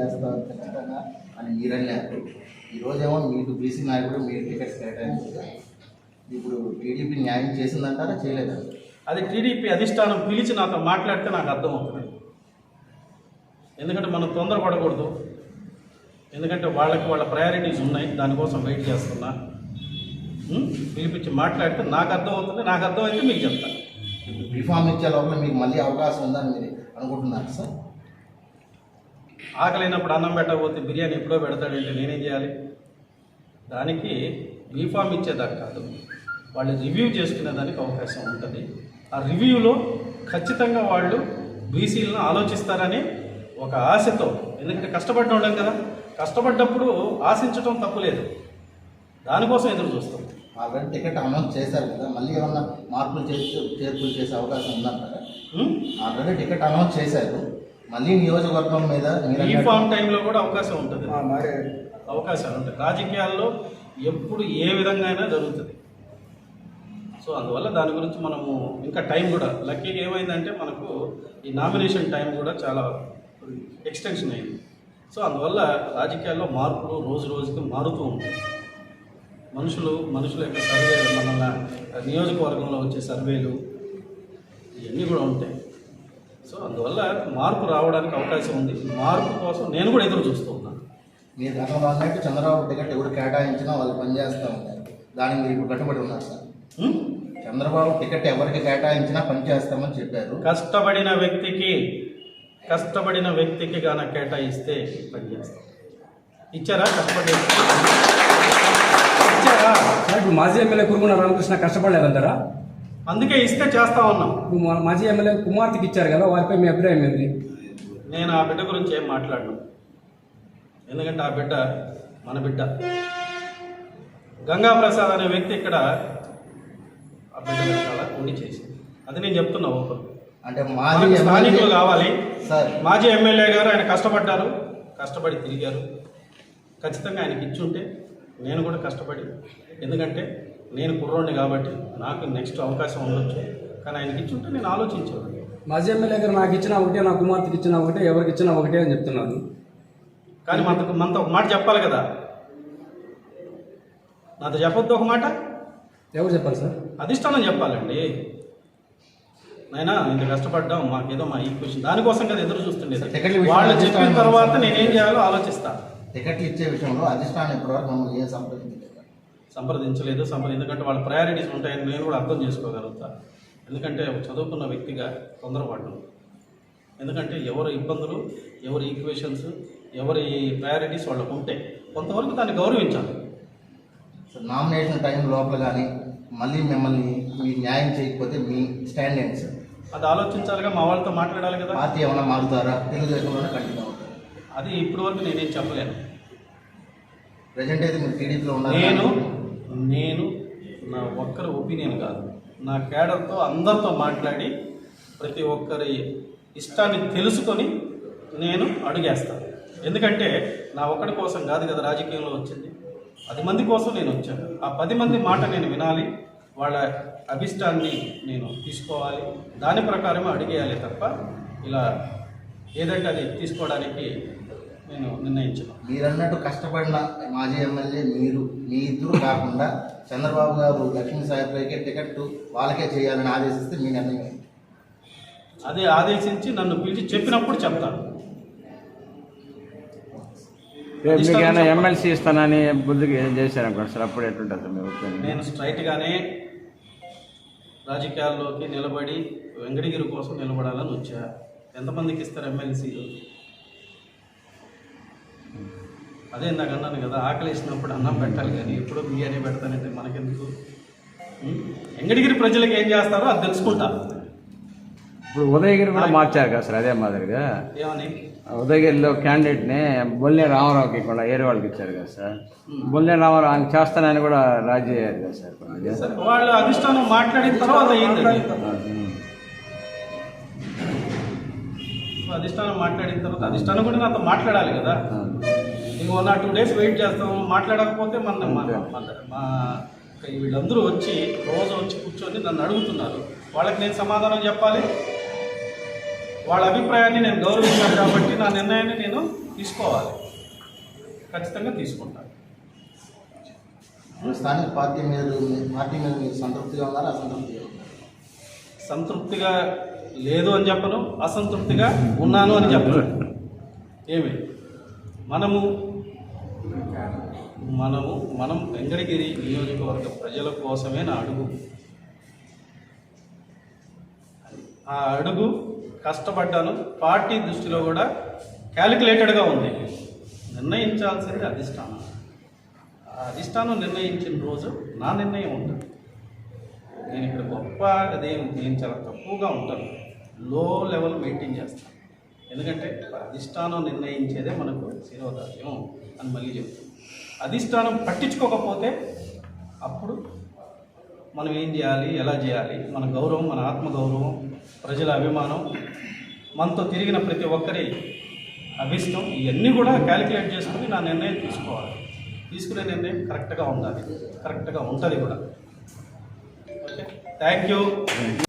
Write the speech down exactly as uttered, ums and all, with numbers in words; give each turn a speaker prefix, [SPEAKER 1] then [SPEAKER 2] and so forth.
[SPEAKER 1] చేస్తారు ఖచ్చితంగా అని మీరన్నారు. ఈరోజేమో మీకు బీసీ నాయకుడు మీరు టికెట్స్ కేటాయించారు. ఇప్పుడు టీడీపీ న్యాయం చేసిందంటారా చేయలేదా?
[SPEAKER 2] అది టీడీపీ అధిష్టానం పిలిచి నాతో మాట్లాడితే నాకు అర్థమవుతుంది. ఎందుకంటే మనం తొందరపడకూడదు. ఎందుకంటే వాళ్ళకి వాళ్ళ ప్రయారిటీస్ ఉన్నాయి, దానికోసం వెయిట్ చేస్తున్నా. పిలిపించి మాట్లాడితే నాకు అర్థమవుతుంది. నాకు అర్థమైతే మీకు చెప్తాను.
[SPEAKER 1] రిఫార్మ్ ఇచ్చే లోపల మీకు మళ్ళీ అవకాశం ఉందని మీరు అనుకుంటున్నారు సార్?
[SPEAKER 2] ఆకలినప్పుడు అన్నం పెట్టకపోతే బిర్యానీ ఎప్పుడో పెడతాడంటే నేనేం చేయాలి? దానికి రిఫార్మ్ ఇచ్చేదాకా కాదు, వాళ్ళు రివ్యూ చేసుకునే దానికి అవకాశం ఉంటుంది. ఆ రివ్యూలో ఖచ్చితంగా వాళ్ళు బీసీలను ఆలోచిస్తారని ఒక ఆశతో, ఎందుకంటే కష్టపడ్డ వాళ్ళం కదా, కష్టపడ్డప్పుడు ఆశించడం తప్పులేదు, దానికోసం ఎదురు చూస్తాం.
[SPEAKER 1] ఆల్రెడీ టికెట్ అనౌన్స్ చేశారు కదా, మళ్ళీ ఏమన్నా మార్పులు చేసి చేర్పులు చేసే అవకాశం ఉందంటారా? ఆల్రెడీ టికెట్ అనౌన్స్ చేశారు, మళ్ళీ నియోజకవర్గం మీద
[SPEAKER 2] ఈ ఫామ్ టైంలో కూడా అవకాశం ఉంటుంది, అవకాశాలు ఉంటాయి. రాజకీయాల్లో ఎప్పుడు ఏ విధంగా అయినా జరుగుతుంది. సో అందువల్ల దాని గురించి మనము ఇంకా టైం కూడా లక్కీగా ఏమైందంటే మనకు ఈ నామినేషన్ టైం కూడా చాలా ఎక్స్టెన్షన్ అయింది. సో అందువల్ల రాజకీయాల్లో మార్పులు రోజు రోజుకి మారుతూ ఉంటాయి. మనుషులు మనుషుల యొక్క సర్వే, మన నియోజకవర్గంలో వచ్చే సర్వేలు ఇవన్నీ కూడా ఉంటాయి. సో అందువల్ల మార్పు రావడానికి అవకాశం ఉంది. మార్పు కోసం నేను కూడా ఎదురు చూస్తూ ఉన్నాను.
[SPEAKER 1] మీరు గతంలో అన్నట్టు చంద్రబాబు టికెట్ ఎవరు కేటాయించినా వాళ్ళు పనిచేస్తూ ఉంటారు, దానికి మీరు ఇప్పుడు కట్టుబడి ఉన్నారు సార్? చంద్రబాబు టికెట్ ఎవరికి కేటాయించినా పనిచేస్తామని చెప్పారు.
[SPEAKER 2] కష్టపడిన వ్యక్తికి కష్టపడిన వ్యక్తికి గాన కేటాయిస్తే పనిచేస్తాం. ఇచ్చారా? కష్టపడి ఇచ్చారా?
[SPEAKER 3] ఇప్పుడు మాజీ ఎమ్మెల్యే కురుగున రామకృష్ణ కష్టపడలేదంటారా?
[SPEAKER 2] అందుకే ఇస్తే చేస్తా ఉన్నాం.
[SPEAKER 3] మాజీ ఎమ్మెల్యే కుమార్తెకి ఇచ్చారు కదా, వారిపై మీ అభిప్రాయం ఏంటి?
[SPEAKER 2] నేను ఆ బిడ్డ గురించి ఏం మాట్లాడను, ఎందుకంటే ఆ బిడ్డ మన బిడ్డ. గంగా ప్రసాద్ అనే వ్యక్తి ఇక్కడ ఆ బిడ్డ వెనకాల ఉండి చేసింది, అది నేను చెప్తున్నా. ఓపెన్
[SPEAKER 1] అంటే మాజీ
[SPEAKER 2] స్థానికులు కావాలి.
[SPEAKER 1] సార్
[SPEAKER 2] మాజీ ఎమ్మెల్యే గారు ఆయన కష్టపడ్డారు, కష్టపడి తిరిగారు. ఖచ్చితంగా ఆయనకి ఇచ్చుంటే నేను కూడా కష్టపడి, ఎందుకంటే నేను కుర్రోడిని కాబట్టి నాకు నెక్స్ట్ అవకాశం ఉండొచ్చు, కానీ ఆయనకి ఇచ్చుంటే నేను ఆలోచించాను.
[SPEAKER 3] మాజీ ఎమ్మెల్యే గారు నాకు ఇచ్చిన ఒకటే, నా కుమార్తెకి ఇచ్చిన ఒకటే, ఎవరికి ఇచ్చిన ఒకటే అని చెప్తున్నాను.
[SPEAKER 2] కానీ మనకు మనతో ఒక మాట చెప్పాలి కదా, నాతో చెప్పొద్దు ఒక మాట.
[SPEAKER 3] ఎవరు చెప్పాలి సార్?
[SPEAKER 2] అధిష్టానం చెప్పాలండి. నైనా ఇంత కష్టపడ్డాం, మాకేదో మా ఈక్వేషన్ దానికోసం కదా ఎదురు చూస్తుండేది. వాళ్ళు చెప్పిన తర్వాత నేనేం చేయాలో ఆలోచిస్తా.
[SPEAKER 1] టికెట్లు ఇచ్చే విషయంలో అధిష్టానం ఇప్పటివరకు మమ్మల్ని ఏం సంప్రదించలేదు
[SPEAKER 2] సంప్రదించలేదు సంప్ర ఎందుకంటే వాళ్ళ ప్రయారిటీస్ ఉంటాయని నేను కూడా అర్థం చేసుకోగలుగుతా. ఎందుకంటే చదువుకున్న వ్యక్తిగా తొందరపడ్డాను. ఎందుకంటే ఎవరి ఇబ్బందులు, ఎవరి ఈక్వేషన్స్, ఎవరి ప్రయారిటీస్ వాళ్ళకు ఉంటే కొంతవరకు దాన్ని గౌరవించాలి.
[SPEAKER 1] నామినేషన్ టైం లోపల కానీ మళ్ళీ మిమ్మల్ని మీ న్యాయం చేయకపోతే మీ స్టాండ్ ఏంటి సార్?
[SPEAKER 2] అది ఆలోచించాలిగా, మా వాళ్ళతో మాట్లాడాలి కదా.
[SPEAKER 1] పార్టీ ఏమైనా మారుతారా? తెలుగుదేశంలోనే కంటిన్యూ అవుతారు?
[SPEAKER 2] అది ఇప్పటి వరకు నేనేం చెప్పలేను.
[SPEAKER 1] ప్రజెంట్ అయితే మీరు టీడీపీలో ఉన్నారు.
[SPEAKER 2] నేను నేను నా ఒక్కరి ఒపీనియన్ కాదు, నా కేడర్తో అందరితో మాట్లాడి ప్రతి ఒక్కరి ఇష్టాన్ని తెలుసుకొని నేను అడుగేస్తాను. ఎందుకంటే నా ఒక్కడి కోసం కాదు కదా రాజకీయంలో వచ్చింది, పది మంది కోసం నేను వచ్చాను. ఆ పది మంది మాట నేను వినాలి, వాళ్ళ అభిష్టాన్ని నేను తీసుకోవాలి, దాని ప్రకారమే అడిగేయాలి తప్ప ఇలా ఏదంటే అది తీసుకోవడానికి నేను నిర్ణయించాను.
[SPEAKER 1] మీరు అన్నట్టు కష్టపడిన మాజీ ఎమ్మెల్యే మీరు, మీ ఇద్దరు కాకుండా చంద్రబాబు గారు లక్ష్మీ సాయిబాబాకి టికెట్ వాళ్ళకే చేయాలని ఆదేశిస్తే మీ నిర్ణయం?
[SPEAKER 2] అదే ఆదేశించి నన్ను పిలిచి చెప్పినప్పుడు చెప్తాను.
[SPEAKER 4] ఎమ్మెల్సీ ఇస్తానని బుద్ధికి చేశారనుకోండి సార్, అప్పుడు ఎట్లుంటుంది మీ ఒపీనియన్?
[SPEAKER 2] నేను స్ట్రైట్గానే రాజకీయాల్లోకి నిలబడి వెంకటగిరి కోసం నిలబడాలని వచ్చా. ఎంతమందికి ఇస్తారు ఎమ్మెల్సీలు? అదే ఇందాక అన్నాను కదా, ఆకలి వేసినప్పుడు అన్నం పెట్టాలి కానీ ఎప్పుడో బియ్యాన్ని పెడతానంటే మనకెందుకు? వెంకటగిరి ప్రజలకు ఏం చేస్తారో అది తెలుసుకుంటా.
[SPEAKER 4] ఇప్పుడు ఉదయగిరి కూడా మార్చారు కదా సార్, అదే మాదిరిగా
[SPEAKER 2] ఏమని
[SPEAKER 4] ఉదయగిరిలో క్యాండిడేట్ని బొల్లే రామారావుకి కూడా ఏరే వాళ్ళకి ఇచ్చారు కదా సార్. బొల్లే రామారావు ఆయన చేస్తానని కూడా రాజీ అయ్యారు కదా సార్.
[SPEAKER 2] వాళ్ళు అధిష్టానం మాట్లాడిన తర్వాత అధిష్టానం మాట్లాడిన తర్వాత అధిష్టానం కూడా నాతో మాట్లాడాలి కదా. ఇంకో నా టూ డేస్ వెయిట్ చేస్తాము, మాట్లాడకపోతే మన మా వీళ్ళందరూ వచ్చి రోజు వచ్చి కూర్చొని నన్ను అడుగుతున్నారు, వాళ్ళకి నేను సమాధానం చెప్పాలి. వాళ్ళ అభిప్రాయాన్ని నేను గౌరవించాను కాబట్టి నా నిర్ణయాన్ని నేను తీసుకోవాలి, ఖచ్చితంగా తీసుకుంటాను.
[SPEAKER 1] ఇప్పుడు స్థానిక పార్టీ మీద పార్టీ మీద మీరు సంతృప్తిగా ఉన్నారా, అసంతృప్తిగా ఉన్నారా?
[SPEAKER 2] సంతృప్తిగా లేదు అని చెప్పను, అసంతృప్తిగా ఉన్నాను అని చెప్పను. ఏమి మనము మనము మనం వెంకటగిరి నియోజకవర్గ ప్రజల కోసమే నా అడుగు. ఆ అడుగు కష్టపడ్డాను. పార్టీ దృష్టిలో కూడా క్యాలిక్యులేటెడ్గా ఉంది. నిర్ణయించాల్సింది అధిష్టానం. ఆ అధిష్టానం నిర్ణయించిన రోజు నా నిర్ణయం ఉంటుంది. నేను ఇక్కడ గొప్ప అదేం నేను చాలా తక్కువగా ఉంటాను, లో లెవెల్ మెయింటైన్ చేస్తాను. ఎందుకంటే అధిష్టానం నిర్ణయించేదే మనకు శిరోధార్యం అని మళ్ళీ చెప్తాను. అధిష్టానం పట్టించుకోకపోతే అప్పుడు మనం ఏం చేయాలి, ఎలా చేయాలి, మన గౌరవం, మన ఆత్మగౌరవం, ప్రజల అభిమానం, మనతో తిరిగిన ప్రతి ఒక్కరి అభిష్టం, ఇవన్నీ కూడా క్యాలిక్యులేట్ చేసుకుని నా నిర్ణయం తీసుకోవాలి. తీసుకునే నిర్ణయం కరెక్ట్గా ఉండాలి, కరెక్ట్గా ఉంటుంది కూడా. Okay, thank you.